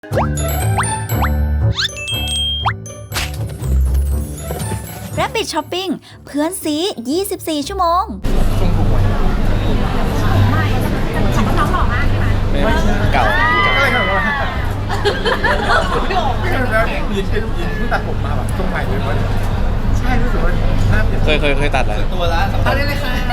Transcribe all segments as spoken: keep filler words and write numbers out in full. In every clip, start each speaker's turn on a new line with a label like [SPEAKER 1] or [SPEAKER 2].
[SPEAKER 1] Rabbit Shopping เพื่อนซียี่สิบสี่ชั่วโมง
[SPEAKER 2] เก่า
[SPEAKER 3] ก็เลยแบบว่าแล้วยินเป็นยินเพิ่งตัดผมมาแบบทรงใหม่เลยมั้ยใช่รู้สึกว่าหน้าเปลี่ยน
[SPEAKER 2] เคยเคยเคยตัดแล้ว
[SPEAKER 3] ตัวละสองพันได้เลยค่ะ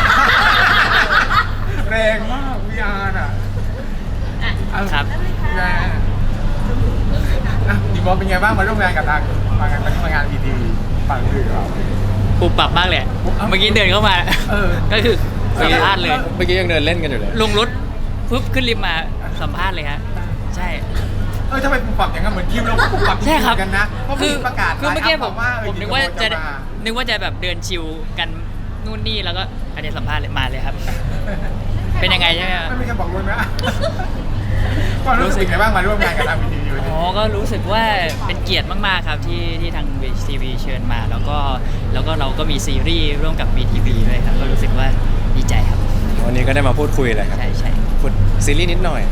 [SPEAKER 3] แรงมาก วี อาร์ น่ะ
[SPEAKER 4] ครับ
[SPEAKER 3] แรงอ่ะดีบอลเป็นไงบ้างมาร่วมงานกับทางมางานมางาน วี ที วี ฝั่งอื่นเรา
[SPEAKER 4] ปูปรับมากเลยเมื่อกี้เดินเข้ามาก็คือสัมภาษณ์เลย
[SPEAKER 2] เมื่อกี้ยังเดินเล่นกันอยู่เลย
[SPEAKER 4] ลงรถปุ๊บขึ้นลิฟต์มาสัมภาษณ์เลยฮะใช่
[SPEAKER 3] เออทำไมปูปรับอย่างนั้นเหมือนคิวเราปูปรับจริงๆกันนะเพราะมีประกาศ
[SPEAKER 4] คือเมื่อกี้ผม
[SPEAKER 3] ว่า
[SPEAKER 4] ผมนึกว่าจะนึกว่าจะแบบเดินชิลกันนู่นนี่แล้วก็อันนี้สัมภาษณ์เลยมาเลยครับเป็นยังไงใช่ไหม
[SPEAKER 3] ไม่มีใครบอกเลยนะความรู้สึกยังไงบ้างมาร่วมงานกับทาง วี ที วี
[SPEAKER 4] อ๋อก็รู้สึกว่าเป็นเกียรติมากๆครับที่ที่ทาง วี ที วี เชิญมาแล้วก็แล้วก็เราก็มีซีรีส์ร่วมกับ วี ที วี ด้วยครับก็รู้สึกว่าดีใจครับ
[SPEAKER 2] วันนี้ก็ได้มาพูดคุยเลยครับ
[SPEAKER 4] ใช่ใช่
[SPEAKER 2] พูดซีรีส์นิดหน่อย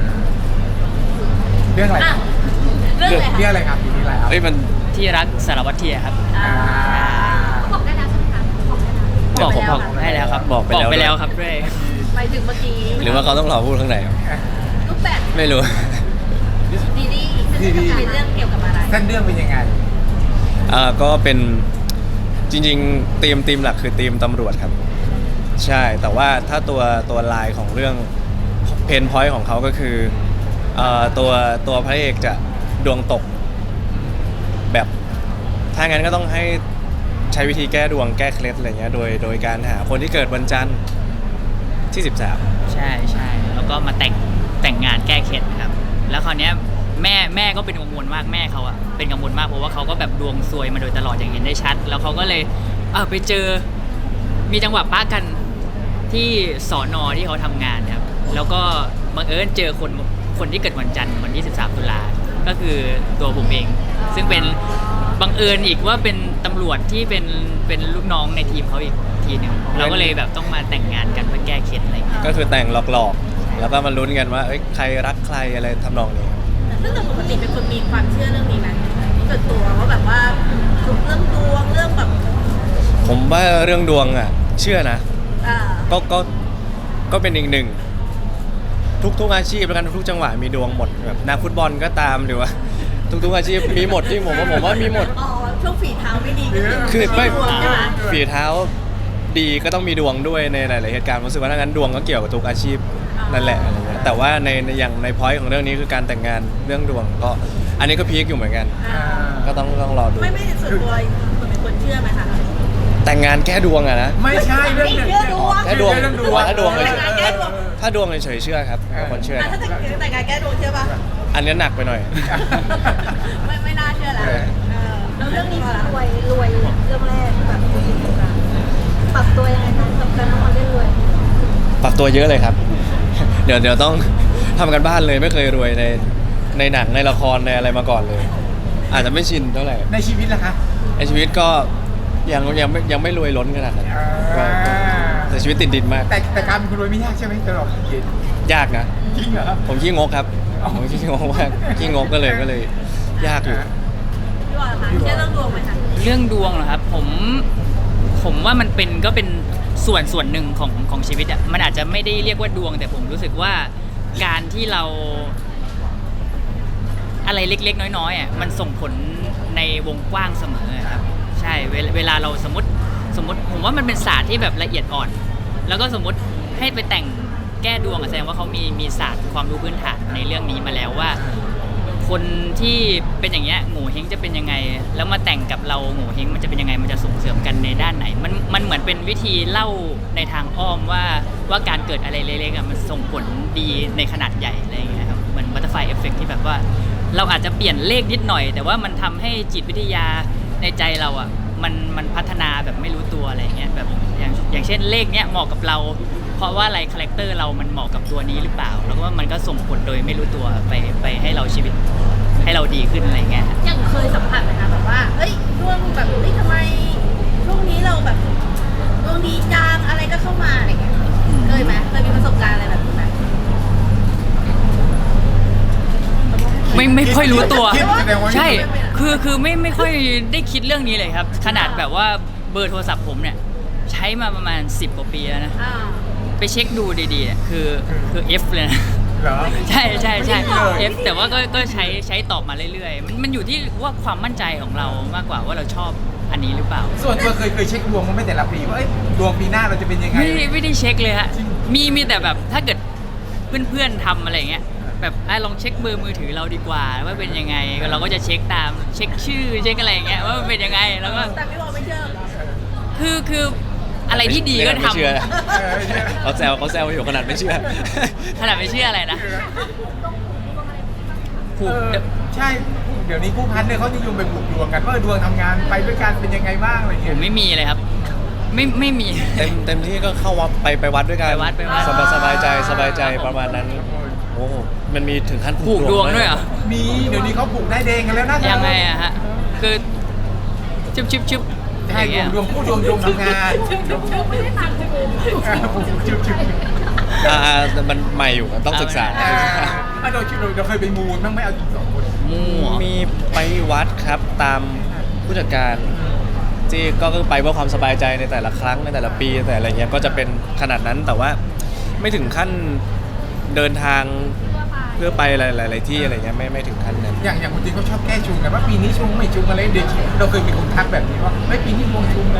[SPEAKER 3] เรื่องอะไร
[SPEAKER 1] เรื่องอะไร
[SPEAKER 3] เรื่องอะไรครับทีนี้อะไรครับ
[SPEAKER 2] เอ้ยมัน
[SPEAKER 4] ที่รักสารวัตรเทียครับ
[SPEAKER 3] อ่า
[SPEAKER 1] บอกได้แล้วใช่ไหมคะบอกได้แล้ว
[SPEAKER 4] บอกผมบอกให้แล้วครับ
[SPEAKER 2] บอกไปแล้ว
[SPEAKER 4] ไปแล้วครับด้วย
[SPEAKER 1] ไปถึงเมื่อกี้
[SPEAKER 2] หรือว่าเขาต้องรอพูดข้างในครับ
[SPEAKER 1] รูปแบบ
[SPEAKER 2] ไม่รู้
[SPEAKER 1] ดีดีเป็นเรื่องเกี่ยวกับอะไร
[SPEAKER 3] เส้นเรื่องเป็นยังไง
[SPEAKER 2] อ่าก็เป็นจริงๆธีมธีมหลักคือธีมตำรวจครับใช่แต่ว่าถ้าตัวตัวลายของเรื่องเพนพอยต์ของเขาก็คือเอ่อตัวตัวพระเอกจะดวงตกแบบถ้างั้นก็ต้องให้ใช้วิธีแก้ดวงแก้เคล็ดอะไรเงี้ยโดยโดยการหาคนที่เกิดวันจันทร์ที่สิบสาม
[SPEAKER 4] ใช่ใช่แล้วก็มาแต่งแต่งงานแก้เคล็ดครับแล้วคราวเนี้ยแม่แม่ก็เป็นกังวลมากแม่เขาอะเป็นกังวลมากเพราะว่าเขาก็แบบดวงซวยมาโดยตลอดอย่างเห็นได้ชัดแล้วเขาก็เลยเออไปเจอมีจังหวะป้ากันที่สอนอที่เขาทำงานครับแล้วก็บังเอิญเจอคนคนที่เกิดวันจันทร์วันที่สิบสามตุลาก็คือตัวผมเองซึ่งเป็นบังเอิญอีกว่าเป็นตำรวจที่เป็นเป็นลูกน้องในทีมเขาอีกทีหนึ่งเราก็เลยแบบต้องมาแต่งงานกันเพื่อแก้เคล็ดอะไรอย่างเงี้ย
[SPEAKER 2] ก็คือแต่งหลอกๆแล้วก็มาลุ้นกันว่าเอ้ยใครรักใครอะไรทำนองนี้
[SPEAKER 1] ซึ่งปกติเป็นคนมีความเชื่อเรื่องนี้ไหมส่วนตัวว่าแบบว่าเรื่องดวงเรื่องแบบ
[SPEAKER 2] ผมว่าเรื่องดวงอ่ะเชื่อนะก็ก็ก็เป็นอีกหนึ่งทุกทุกอาชีพแล้วกันทุกจังหวะมีดวงหมดแบบนักฟุตบอลก็ตามหรือว่าทุกๆอาชีพมีหมดที่ผมว่าผมว่ามีหมด
[SPEAKER 1] อ๋อช่วงฝีเท้าไม่ดี
[SPEAKER 2] คือไม่
[SPEAKER 1] ใช่ไหม
[SPEAKER 2] ฝีเท้าดีก็ต้องมีดวงด้วยในหลายๆเหตุการณ์รู้สึกว่าถ้างั้นดวงก็เกี่ยวกับทุกอาชีพนั่นแหละอะไรเงี้ยแต่ว่าในอย่างในพอยต์ของเรื่องนี้คือการแต่งงานเรื่องดวงก็อันนี้ก็พีคอยู่เหมือนกันก็ต้องต้องรอดู
[SPEAKER 1] ไม่ไม่ส่วนตัวเป็นคนเชื่อไหมคะ
[SPEAKER 2] แต่งงานแก้ดวงอะนะ
[SPEAKER 3] ไม่ใช่เรื่องเชื่อดวง
[SPEAKER 2] แก้ดวงถ้าดวงถ้าดวงเฉยๆเชื่อครับคนเชื่อ
[SPEAKER 1] ถ้าแต่งงานแก้ดวงเชื่อป่ะ
[SPEAKER 2] อันนี้หนักไปหน่อย
[SPEAKER 1] ไม่ไม่น่าเชื่อแล้วแล้วเรื่องนี้รวยรวยเรื่องแรกแบบปรับตัวยังไงคะกับการทำงานเรื่องรวย
[SPEAKER 2] ปรับตัวเยอะเลยครับเดี๋ยวเดี๋ยวต้องทำกันบ้านเลยไม่เคยรวยในในหนังในละครในอะไรมาก่อนเลยอาจจะไม่ชินเท่าไหร่
[SPEAKER 3] ในชีวิตล่ะคะ
[SPEAKER 2] ในชีวิตก็ยังยังไม่ยังไม่รวยล้นขนาดนั้นแต่ชีวิตติดดินมาก
[SPEAKER 3] แต่แต่การเป็นคนรวยไม่ยากใช่ไหมสำหรับเย็น
[SPEAKER 2] ยากนะ
[SPEAKER 3] จริงเหรอ
[SPEAKER 2] ผมขี้งกครับผมขี้งกมากขี้งกก็เลยก็เลยยากอยู่
[SPEAKER 1] พี่ว่าคะเชื่อเรื่องดวงไหมคะ
[SPEAKER 4] เรื่องดวงเหรอครับผมผมว่ามันเป็นก็เป็นส่วนส่วนหนึ่งของของชีวิตอ่ะมันอาจจะไม่ได้เรียกว่าดวงแต่ผมรู้สึกว่าการที่เราอะไรเล็กๆน้อยๆอ่ะมันส่งผลในวงกว้างเสมอครับใช่เวลาเราสมมติสมมติผมว่ามันเป็นศาสตร์ที่แบบละเอียดอ่อนแล้วก็สมมติให้ไปแต่งแก้ดวงแสดงว่าเขามีมีศาสตร์ความรู้พื้นฐานในเรื่องนี้มาแล้วว่าคนที่เป็นอย่างเงี้ยโง่เฮงจะเป็นยังไงแล้วมาแต่งกับเราโง่เฮงมันจะเป็นยังไงมันจะส่งเสริมกันในด้านไหนมันมันเหมือนเป็นวิธีเล่าในทางอ้อมว่าว่าการเกิดอะไรเล็กๆมันส่งผลดีในขนาดใหญ่อะไรอย่างเงี้ยครับเหมือนบัตเตอร์ไฟเอฟเฟกต์ที่แบบว่าเราอาจจะเปลี่ยนเลขนิดหน่อยแต่ว่ามันทำให้จิตวิทยาในใจเราอ่ะมันมันพัฒนาแบบไม่รู้ตัวอะไรเงี้ยแบบอย่างอย่างเช่นเลขเนี้ยเหมาะกับเราเพราะว่าอะไรคาแรคเตอร์เรามันเหมาะกับตัวนี้หรือเปล่าแล้วก็มันก็ส่งผลโดยไม่รู้ตัวไปไปให้เราชีวิตให้เราดีขึ้นอะไรเงี้ย
[SPEAKER 1] ยังเคยสัมผัสไหมคะแบบว่าเฮ้ยช่วงแบบเฮ้ยทำไมช่วงนี้เราแบบดวงดีจังอะไรก็เข้ามาอะไรเงี้ยเคยไหมเคยมีประสบการณ์อะไรแบบนี้ไหม
[SPEAKER 2] เค
[SPEAKER 4] ไม่ไม่ค่อยรู้ตัว
[SPEAKER 3] คิดแสดงว่า
[SPEAKER 4] ใช่คือคือไม่ไม่ค่อยได้คิดเรื่องนี้เลยครับ ขนาดแบบว่าเบอร์โทรศัพท์ผมเนี่ยใช้มาประมาณสิบกว่าปีแล้วนะ
[SPEAKER 1] อ่า
[SPEAKER 4] ไปเช็คดูดีๆเนี่ยคือคือ F เลยนะ
[SPEAKER 3] เหรอ
[SPEAKER 4] ใช่ใช่ใช่
[SPEAKER 3] ไม่เลย
[SPEAKER 4] F แต่ว่าก็ก็ใช้ใช้ตอบมาเรื่อยๆมันมันอยู่ที่ว่าความมั่นใจของเรามากกว่าว่าเราชอบอันนี้หรือเปล่า
[SPEAKER 3] ส่วนตัวเคยเคยเช็คดวงมั้ยไม่แต่ละปีว่าเอ้ยดวงปีหน้าเราจะเป็นยังไง
[SPEAKER 4] ไม่ไม่ได้เช็คเลยฮะ
[SPEAKER 3] จริง
[SPEAKER 4] มีมีแต่แบบถ้าเกิดเพื่อนๆทำอะไรอย่างเงี้ยแบบไอ้ลองเช็คเบอร์มือถือเราดีกว่าว่าเป็นยังไงเราก็จะเช็คตามเช็คชื่อเช็คอะไรอย่างเงี้ยว่ามันเป็นยังไงแล้วก็
[SPEAKER 1] แต่พี่บอกไม่เชื่อ
[SPEAKER 4] คือคืออะไรที่ดีก็
[SPEAKER 2] ไม่
[SPEAKER 4] ทำ
[SPEAKER 2] เชื่อ
[SPEAKER 3] เออใช่
[SPEAKER 2] เขาแซวเขาแซวอยู่ขนาดไม่เชื่อ
[SPEAKER 4] ขนาดไม่เชื่ออะไรนะผู
[SPEAKER 3] เอก อ
[SPEAKER 4] เดี๋ยว
[SPEAKER 3] ใช่เดี๋ยวนี้ผู้พันเนี่ยเขานิยมไปผูกดวงกันว่าดวงทำงานไปด้วยกันเป็นยังไงบ้างอะไร
[SPEAKER 4] ผ
[SPEAKER 3] เงี้ย
[SPEAKER 4] มไม่มีเลยครับ ไม่ไม่มี
[SPEAKER 2] เต็มเต็มที่ก็เข้าวัดไปไปวัดด้วยกัน
[SPEAKER 4] ไปวัดไปวัด
[SPEAKER 2] สบายสบายใจสบายใจประมาณนั้น โอ้โหมันมีถึงขั้น
[SPEAKER 4] ผูกดวงด้วยเหรอ
[SPEAKER 3] มีเดี๋ยวนี้เขาผูกได้เดงกันแล้วนะ
[SPEAKER 4] ยังไงอะฮะคือชุบชุบชุบ
[SPEAKER 3] ใช่
[SPEAKER 4] อย่างเงี้ย
[SPEAKER 3] ดวงคู่ดวงดวงทำงาน
[SPEAKER 1] ไม่ได้ฟังกู
[SPEAKER 3] เออผูกจุบจุบ
[SPEAKER 2] อ่าอ่ามันใหม่อยู่ต้องศึกษา
[SPEAKER 3] เออเอาโดยคิดเราเคยไปมูลบ้างไหมเอาจริงสองคน
[SPEAKER 4] มั่ว
[SPEAKER 2] มีไปวัดครับตามผู้จัดการที่ก็คือไปเพื่อความสบายใจในแต่ละครั้งในแต่ละปีแต่อะไรเงี้ยก็จะเป็นขนาดนั้นแต่ว่าไม่ถึงขั้นเดินทางเพื่อไปหลายๆที่อะไรเงี้ยไม่ไม่ถึงขั้นนั้น
[SPEAKER 3] อย่างอย่างคนจีนเขาชอบแก้ชงกันว่าปีนี้ชงไม่ชงอะไรเด็กเราเคยมีคนทักแบบนี้ว่าไม่ปีนี้ดวงชงนะ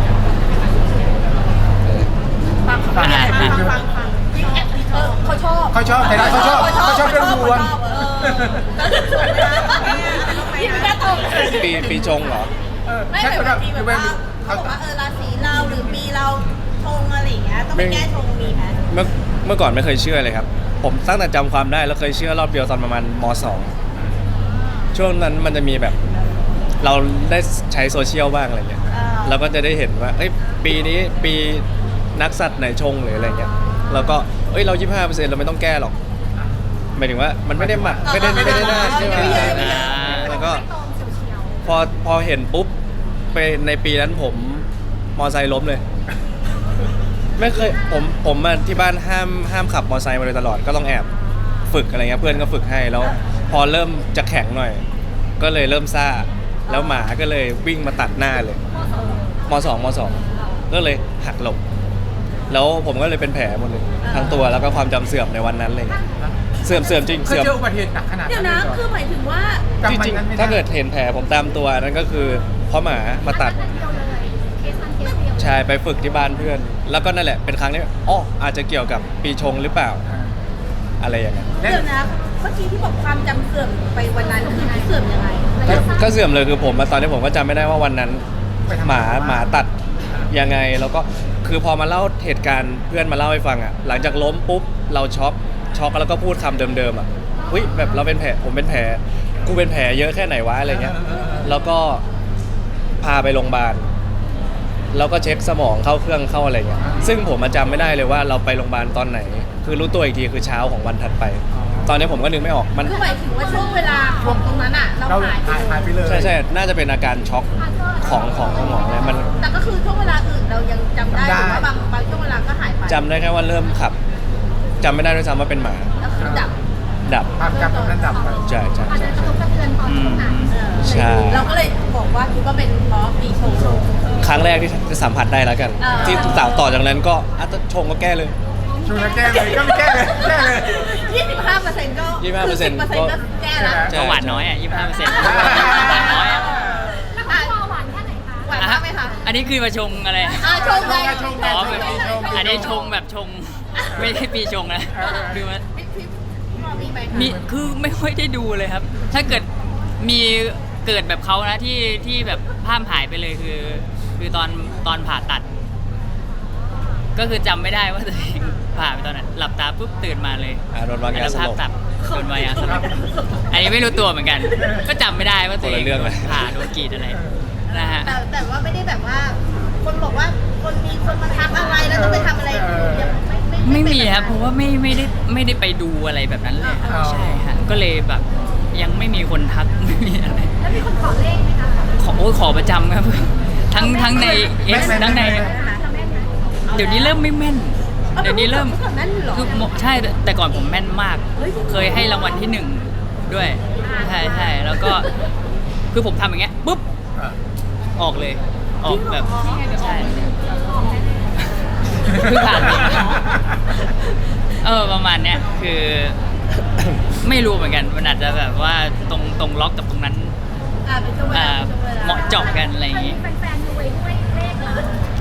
[SPEAKER 1] ฟังฟังฟังฟังฟังฟังเออเขาชอบ
[SPEAKER 3] เขาชอบแต่ละเขาชอบเขาชอบเรื่องดวง
[SPEAKER 1] เออแล้วจะชมไหมคะพี่ไม่กล้าตอบ
[SPEAKER 2] ปีปีจงเหรอ
[SPEAKER 3] เออ
[SPEAKER 1] ไม่
[SPEAKER 3] ใช่
[SPEAKER 1] แบบ
[SPEAKER 3] แบบ
[SPEAKER 1] ปีแบบว่าเขาบอกว่าเออราศีเราหรือปีเราชงอะไรอย่างเงี้ยต้องไปแก้ชงมีไหม
[SPEAKER 2] เมื่อเมื่อก่อนไม่เคยเชื่อเลยครับ ผมตั้งแต่จำความได้แล้วเคยเชื่อรอบเดียวตอนประมาณมสองช่วงนั้นมันจะมีแบบ เราได้ใช้โซเชียลบ้างอะไรเงี้ยเราก็จะได้เห็นว่าเอ้ยปีนี้ปีนักสัตว์ไหนชงหรืออะไรเงี้ยแล้วก็เอ้ยเรายี่สิบห้าเปอร์เซ็นต์เราไม่ต้องแก้หรอกหมายถึงว่ามันไม่ได้หมักไม่ได้ไม่ได้น่าเชื่อแล้วก็พอพอเห็นปุ๊บไปในปีนั้นผมมอไซค์ล้มเลย ไม่เคยผมผมอะที่บ้านห้ามห้ามขับมอเตอร์ไซค์มาโดยตลอดก็ต้องแอบฝึกอะไรเงี้ยเพื่อนก็ฝึกให้แล้ว พอเริ่มจะแข็งหน่อย ก็เลยเริ่มซ่าแล้วหมาก็เลยวิ่งมาตัดหน้าเลยมสองมสองก็เลยหักหลบแล้วผมก็เลยเป็นแผลหมดเลยทั้งตัวแล้วก็ความจำเสื่อมในวันนั้นเลยเสื่อมเสื่อมจริง
[SPEAKER 3] เคย
[SPEAKER 2] เสื่อม
[SPEAKER 3] เจออุบัติเหตุหนักขนาด
[SPEAKER 1] เดี๋ย
[SPEAKER 3] นั้
[SPEAKER 1] วน
[SPEAKER 3] เลยเหรอ
[SPEAKER 1] นะคือหมายถึงว่า
[SPEAKER 3] จำ
[SPEAKER 2] จ
[SPEAKER 3] วัน
[SPEAKER 2] ริง
[SPEAKER 3] นั้นไม่
[SPEAKER 2] ๆ
[SPEAKER 3] ได้
[SPEAKER 2] ถ้าเกิดเห็นแผลผมตามตัวนั่นก็คือเพราะหมามาตัดใช่ไปฝึกที่บ้านเพื่อน แล้วก็นั่นแหละเป็นครั้งนี้อ๋ออาจจะเกี่ยวกับปีชงหรือเปล่าอะไรอย่างเงี้ย
[SPEAKER 1] เดี๋ยวนะเมื่อกี้ที่บอกความจำเสื่อมไปวันนั้นคือเสื่อมยังไง
[SPEAKER 2] ก็ก็เสื่อมเลยคือผมอะตอนนี้ผมก็จำไม่ได้ว่าวันนั้น
[SPEAKER 3] ไปทำ
[SPEAKER 2] หมา
[SPEAKER 3] อะไร
[SPEAKER 2] หมาตัดยังไงแล้วก็คือพอมาเล่าเหตุการณ์เพื่อนมาเล่าให้ฟังอ่ะหลังจากล้มปุ๊บเราช็อกช็อกแล้วก็พูดคำเดิมๆอ่ะอุ้ยแบบเราเป็นแผลผมเป็นแผลกูเป็นแผลเยอะแค่ไหนวะอะไรเงี้ยแล้วก็พาไปโรงพยาบาลแล้วก็เช็คสมองเข้าเครื่องเข้าอะไรเงี้ยซึ่งผมมาจำไม่ได้เลยว่าเราไปโรงพยาบาลตอนไหน คือรู้ตัวอีกทีคือเช้าของวันถัดไป ตอนนี้ผมก็นึกไม่ออกมัน
[SPEAKER 1] คือหมายถึงว่าช่วงเวลาของตรงนั้นอ่ะเรา
[SPEAKER 3] เรา
[SPEAKER 1] หายไป
[SPEAKER 3] หายหายไปเลย
[SPEAKER 2] ใช่ใช่น่าจะเป็นอาการช็อกของของสมองเลยมัน
[SPEAKER 1] แต่ก็คือช่วงเวลาอื่นเรายังจำได้หรือว่าบางบางช่วงเวลาก็หายไป
[SPEAKER 2] จำได้แค่ว่าเริ่มขับจำไม่ได้ด้วยซ้ำว่าเป็นหมา
[SPEAKER 1] แล้วคือดับ
[SPEAKER 2] ดับ
[SPEAKER 3] ความจำตรงนั้นดับไป
[SPEAKER 2] ใช่ใช่ใช่ใช่
[SPEAKER 4] อืม
[SPEAKER 1] เออ
[SPEAKER 2] ใช่
[SPEAKER 1] เราก็เลยบอกว่าคิดว่าเป็นเพราะปีชง
[SPEAKER 2] ครั้งแรกที่ที่สัมผัสได้แล้วกัน
[SPEAKER 1] อ่า
[SPEAKER 2] ที่ต่อต่อจากนั้นก็อ่ะชงก็แก้เลย
[SPEAKER 3] ชงแล้วแก้เลยก็ไม่แก้เลยแก้เลย
[SPEAKER 1] ยี่สิบห้าเปอร์เซ็นต์ก็
[SPEAKER 2] ยี่สิบห้าเปอร์เซ็นต์
[SPEAKER 1] เปอร์เซ็นต์ก็แก้แล้ว
[SPEAKER 2] ใช่
[SPEAKER 4] ก็หวานน้อยอ่ะยี่สิบห้าเปอร์เซ็นต์หวานน้อยอ่ะ
[SPEAKER 1] หวานแค่ไหนคะหวาน
[SPEAKER 4] อ่ะ
[SPEAKER 1] มากไหมคะ
[SPEAKER 4] อันนี้คือมาชงอะไร
[SPEAKER 1] อ่าชงไง
[SPEAKER 3] ชง
[SPEAKER 4] อ๋อ
[SPEAKER 3] ช
[SPEAKER 4] แบบ
[SPEAKER 3] งชง
[SPEAKER 4] อันนี้ชงแบบชง ไม่ใช่ปีชงนะคือว่า
[SPEAKER 1] พี่พี่พี่มอมีไหมคะ
[SPEAKER 4] มีคือไม่ค่อยได้ดูเลยครับ ถ้าเกิดมีเกิดแบบเขานะที่ที่แบบภาพหายไปเลยคือ คือตอนตอนผ่าตัด ก็คือจำไม่ได้ว่าตัวเองผ่าไปตอนนั้นหลับตาปุ๊บตื่นมาเลย
[SPEAKER 2] อ่ะโดนวางยาสลบ
[SPEAKER 4] ภพตับโดนวางยาสลบอันนี้ไม่รู้ตัวเหมือนกัน ก็จำไม่ได้ว่าตัวเอง
[SPEAKER 2] คนละเรื่องเลย
[SPEAKER 4] ผ่าโดนกรีดอะไรนะฮะ
[SPEAKER 1] แต่แต่ว่าไม่ได้แบบว่า คนบอกว่าคนมีคนมาทักอะไรแล้วต้องไปทำอะไรยังไม่
[SPEAKER 4] ไม่มี
[SPEAKER 1] เป็น
[SPEAKER 4] ครับเพราะว่าไม่ไม่ได้ไม่ได้ไปดูอะไรแบบนั้นเลยครับ
[SPEAKER 3] อ๋อ
[SPEAKER 4] ใช่ฮะก็เลยแบบยังไม่มีคนทัก ไม่มีอะไร
[SPEAKER 1] แล้วมีคนขอเลขไหมคะ
[SPEAKER 4] ขอโอ้ยขอประจำครับ ทั้งทั้งใน
[SPEAKER 3] แม่
[SPEAKER 4] X
[SPEAKER 3] นไหม
[SPEAKER 4] ทั้งใน
[SPEAKER 3] แม่นไหม
[SPEAKER 4] เดี๋ยวนี้เริ่มไม่แม่น เดี๋ยวนี้เริ่ม
[SPEAKER 1] ก่อนนั้นอยู่เหรอ
[SPEAKER 4] คือใช่แต่ก่อนผมแม่นมาก
[SPEAKER 1] เฮ้ย
[SPEAKER 4] เคยให้รางวัลที่หนึ่งด้วย
[SPEAKER 1] อ่
[SPEAKER 4] ช่ใช่แล้วก็คือผมทำอย่างเงี้ยปุ๊บ
[SPEAKER 3] เออ
[SPEAKER 4] ออกเลย ออกแบบ
[SPEAKER 1] จริงเหรอ
[SPEAKER 4] ใช่
[SPEAKER 1] ออกแน่
[SPEAKER 4] เพิ่งผ่านมาเออประมาณเนี้ยคือ ไม่รู้เหมือนกันมันอาจจะแบบว่าตรงตรงล็อกกับตรงนั้น
[SPEAKER 1] ๆอ่าเป็นช่วงเวลา
[SPEAKER 4] อ่า
[SPEAKER 1] เป็นช่วงเวลา
[SPEAKER 4] เหมาะเจาะกันอะไรอย่างงี้
[SPEAKER 1] แฟนๆรวยด้วยเลขเหรอ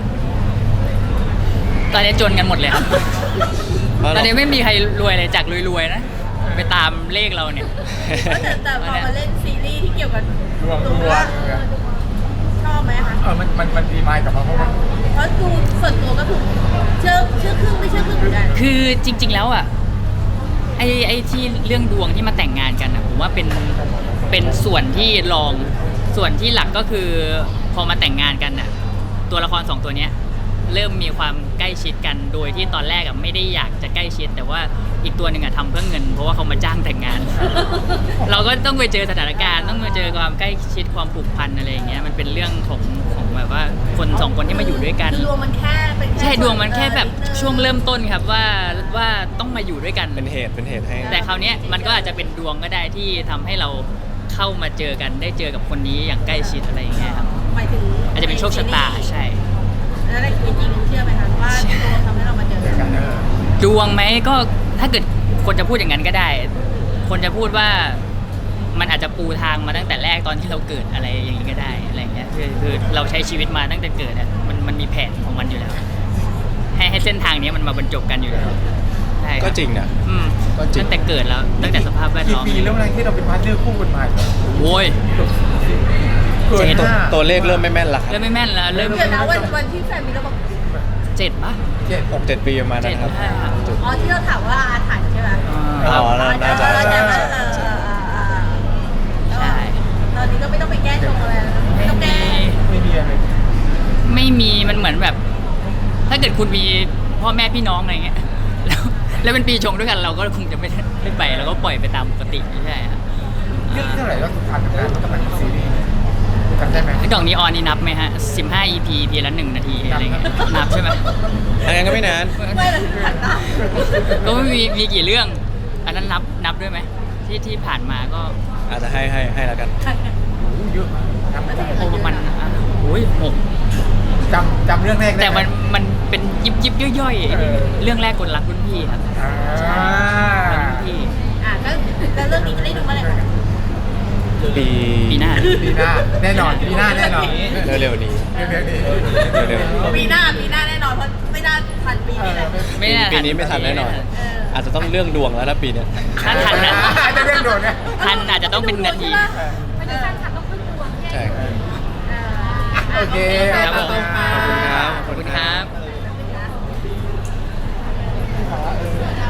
[SPEAKER 4] ตอนนี้จนกันหมดเลยครับ
[SPEAKER 2] เพราะ
[SPEAKER 4] ตอน
[SPEAKER 2] เรา
[SPEAKER 4] นี้ไม่มีใครรวยเลยจากรวยๆนะไปตามเลขเราเนี่ย
[SPEAKER 1] แต่แต่พอมาเล่นซีรีส์ที่เกี่ยวกับ
[SPEAKER 3] ดวงดวง
[SPEAKER 1] เออชอบไหมคะ
[SPEAKER 3] เออมันมันมันดีมากกับมันเพราะมัน
[SPEAKER 1] เพราะดูส่วนตัวก็คือเชื่อเชื่อครึ่งไม่เชื่อครึ่งเหมือนกัน
[SPEAKER 4] คือจริง ๆ แล้วอ่ะไอ้ไอ้ที่เรื่องดวงที่มาแต่งงานกันอ่ะผมว่าเป็นเป็นส่วนที่รองส่วนที่หลักก็คือพอมาแต่งงานกันอ่ะตัวละครสองตัวเนี้ยเริ่มมีความใกล้ชิดกันโดยที่ตอนแรกอ่ะไม่ได้อยากจะใกล้ชิด แต่ว่าอีกตัวหนึ่งอ่ะทำเพื่อเงิน เพราะว่าเขามาจ้างแต่งงาน เราก็ต้องไปเจอสถานการณ์ต้องไปเจอความใกล้ชิดความผูกพันอะไรอย่างเงี้ยมันเป็นเรื่องของของแบบว่าคนสองคนที่มาอยู่ด้วยกัน
[SPEAKER 1] คือดวงมันแค่เป็นค่
[SPEAKER 4] ใช่ดวงมันแค่แบบ
[SPEAKER 1] นิดนึง
[SPEAKER 4] ช่วงเริ่มต้นครับว่าว่าต้องมาอยู่ด้วยกัน
[SPEAKER 2] เป็นเหตุเป็นเหตุให้
[SPEAKER 4] แต่คราวเนี้ยมันก็อาจจะเป็นดวงก็ได้ที่ทำให้เราเข้ามาเจอกันได้เจอกับคนนี้อย่างใกล้ชิดอะไรอย่างเงี้ยครับ
[SPEAKER 1] หมายถึง
[SPEAKER 4] อาจจะเป็นโชคชะตาใช่
[SPEAKER 1] แล้วในชีวิตจริงเชื่อไหมคะว่าดวงทำให้เรามาเจอ
[SPEAKER 3] เจอ
[SPEAKER 1] กั
[SPEAKER 3] กัน
[SPEAKER 1] น
[SPEAKER 3] เออ
[SPEAKER 4] ดวงไหมก็ถ้าเกิดคนจะพูดอย่างนั้นก็ได้ คนจะพูดว่ามันอาจจะปูทางมาตั้งแต่แรกตอนที่เราเกิดอะไรอย่างนี้ก็ได้อะไรอย่างเงี้ยคือคือเราใช้ชีวิตมาตั้งแต่เกิดอะมันมันมีแผนของมันอยู่แล้ว ให้ให้เส้นทางนี้มันมาบรรจบกันอยู่แล้วใช่คบ
[SPEAKER 2] ก็จริงนะ
[SPEAKER 4] อืม
[SPEAKER 2] ก็จริง
[SPEAKER 4] ตั้งแต่เกิดแล้วตั้งแต่สภาพแวด
[SPEAKER 3] กี่
[SPEAKER 4] ล้อม
[SPEAKER 3] ปีแล้วนะที่เราเป็นพาร์ทเนอร์คู่กันมาเนี่ย
[SPEAKER 4] โว้ย
[SPEAKER 3] เกิน
[SPEAKER 4] เจ็ด
[SPEAKER 2] ตัว
[SPEAKER 3] ห้า
[SPEAKER 2] ตัวเลขเริ่มไม่แม่นละครั
[SPEAKER 4] เริ่
[SPEAKER 2] บ
[SPEAKER 4] มไม่แม่นแล้วเริ่ม
[SPEAKER 1] เดี๋ยวนะวันวันที่แฟนมีเราบอก
[SPEAKER 4] เจ็ดปะ
[SPEAKER 3] เจ็ด
[SPEAKER 2] หกเจ็ดปีประมาณนั้นครับ
[SPEAKER 4] เจ็ดห้า
[SPEAKER 2] จุด
[SPEAKER 1] อ๋อที่เราถามว่าอาถรรพ์ใช่ไหม
[SPEAKER 2] อ๋อน่าน่าจะ
[SPEAKER 1] เออ
[SPEAKER 2] ใช่
[SPEAKER 1] เออ
[SPEAKER 2] ใช่
[SPEAKER 1] เออเออเออ
[SPEAKER 4] ใช่
[SPEAKER 1] ตอนนี้ก็ไม่ต้องไปแก้ชงอะไรแล้วไม่ต้องแก้
[SPEAKER 3] ไม่มีอะไร
[SPEAKER 4] ไม่มีมันเหมือนแบบ ถ้าเกิดคุณมีพ่อแม่พี่น้องอะไรเงี้ย แล้วแล้วเป็นปีชงด้วยกันเราก็คงจะไม่ได้ไม่ไปเราก็ปล่อยไปตามปกติใช่ครับ
[SPEAKER 3] เรื่องเท่าไหร่แล้วผ่านทำงานแล้วกำลังซีรีส์เนี่ยจำได้ไหม
[SPEAKER 4] ไอ้กล่องนีออนนี่นับไหมฮะสิบห้า อี พี ทีละหนึ่งนาทีอะไรเงี้ยนับใช่ไหม
[SPEAKER 2] อันนั้นก็ไม่นาน
[SPEAKER 1] ไม่เราถึงขันตา
[SPEAKER 4] ก็ไม่มีมีกี่เรื่อง อันนั้นนับนับด้วยไหมที่ที่ผ่านมาก็
[SPEAKER 2] อาจจะให้ให้ให้แล้วกัน
[SPEAKER 3] โอ้โหเยอะมากจำไม่ได้
[SPEAKER 4] โอ้ประมาณอ่ะโอ้ยหก
[SPEAKER 3] จำจำเรื่องแรกได้
[SPEAKER 4] แต่
[SPEAKER 3] ไห
[SPEAKER 4] มันมันเป็นยิบยิบย่อยๆ
[SPEAKER 3] เออ
[SPEAKER 4] เรื่องแรกคนรักรุ่นพี่ครับ
[SPEAKER 3] อ่า
[SPEAKER 4] รุ่นพี่
[SPEAKER 1] อ่ะแล้วแล้วเรื่องนี้จะได้ดูเมื่อไหร่คะ
[SPEAKER 2] ปี
[SPEAKER 4] ปีหน้า
[SPEAKER 3] ปีหน้าแน่นอนปีหน้าแน่นอน
[SPEAKER 2] เร็วๆนี้
[SPEAKER 3] เร็วๆนี้
[SPEAKER 2] เร็ว
[SPEAKER 1] ปีหน้าปีหน้าแน่นอนเพราะไม่น่าทันปีนี้แหละ
[SPEAKER 4] ไม่น่า
[SPEAKER 2] ปีนี้ไม่ทันแน่นอน
[SPEAKER 1] เออ
[SPEAKER 2] อาจจะต้องเรื่องดวงแล้วนะปีเนี้ย
[SPEAKER 4] ถ้าทันนะ
[SPEAKER 3] จะเรื่องโดนเนี่ย
[SPEAKER 4] ทันอาจจะต้องเป็นนาที
[SPEAKER 1] ไม่ได้แฟนคลับต้องพึ่งดวง
[SPEAKER 2] ใช่
[SPEAKER 1] เออ
[SPEAKER 3] โอเค
[SPEAKER 4] ครับผม
[SPEAKER 1] ขอบคุณค่ะ
[SPEAKER 2] ขอบคุณครับ
[SPEAKER 4] ขอบคุณครับ